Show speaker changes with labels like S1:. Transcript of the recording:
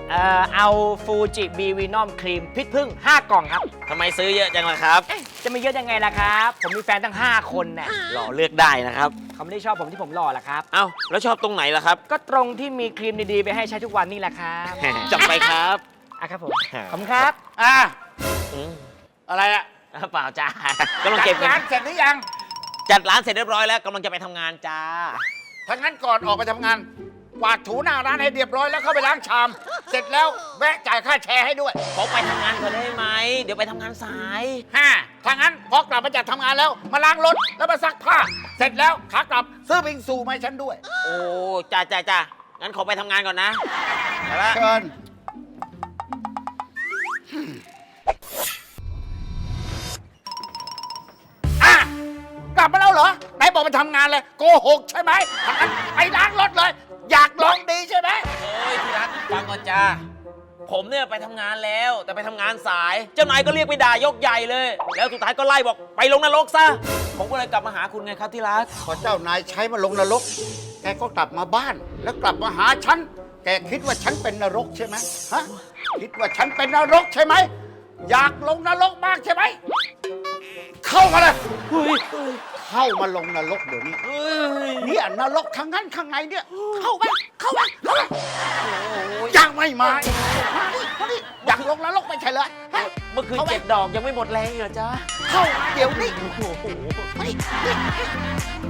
S1: เอาฟูจิบีวีนอมครีมพิษพึ่ง5 กล่องครับ
S2: ทำไมซื้อเยอะจังล่ะครับ
S1: จะไม่เยอะยังไงล่ะครับ ผมมีแฟนตั้ง5 คนน่ะ
S2: หล่อเลือกได้นะครับ
S1: เขาไม่ได้ชอบผมที่ผมหล่อหรอกครับ
S2: เอ้าแล้วชอบตรงไหนล่ะครับ
S1: ก็ตรงที่มีครีมดีๆไปให้ใช้ทุกวันนี่แหละครับ
S2: จับไปครับ
S1: อ่ะครับผมขอบคุณครับ
S2: อืม
S3: อะไรอะ
S2: เปล่าจ้ากำลังเก็บเงิ
S3: ร้าน
S2: น
S3: เสร็จหรือยัง
S2: จัดร้านเสร็จเรียบร้อยแล้วกำลังจะไปทำงานจ้า
S3: ถ้างั้นก่อนออกไปทำงานกวาดถูหน้าร้านให้เรียบร้อยแล้วเข้าไปล้างชาม เสร็จแล้วแวะจ่ายค่าแชร์ให้ด้วย
S2: ขอไปทำงานก่อนได้ไหม เดี๋ยวไปทำงานสาย
S3: ถ้างั้นพอกลับมาจากทำงานแล้วมาล้างรถแล้วมาซักผ้า เสร็จแล้วขากลับซื้อบิงซูมาให้ฉันด้วย
S2: โอ้จ้างั้นขอไปทำงานก่อนนะไปละ
S3: เชิญกลับมาแล้วเหรอไหนบอกไปทำงานเลยโกหกใช่ไหมถ้างั้นไปล้างรถเลย อยากลองดีใช่ไหม
S2: เฮ้ยที่รักฟังก่อนจ้าผมเนี่ยไปทำงานแล้ว แต่ไปทำงานสาย เจ้านายก็เรียกไปด่ายกใหญ่เลย แล้วสุดท้ายก็ไล่บอกไปลงนรกซะ ผมก็เลยกลับมาหาคุณไงครับที่รัก
S3: พอเจ้านายใช้มาลงนรก แกก็กลับมาบ้าน แล้วกลับมาหาฉัน แกคิดว่าฉันเป็นนรกใช่ไหมฮะ คิดว่าฉันเป็นนรกใช่ไหม อยากลงนรกมากใช่ไหม เข้ามาเลยเข้ามาลงนรกเดี๋ยวนี้เนี่ยนรกข้างนั้นข้างในเนี่ย เข้ามายังไม่มาอีกมาดิอยากลงนรกไม่ใช่เลยฮะ
S2: เมื่อคืน7 ดอกยังไม่หมดแรงอีกเหรอจ๊ะ
S3: เข้ามาเดี๋ยวนี้
S2: โอ้โห
S3: มาดิ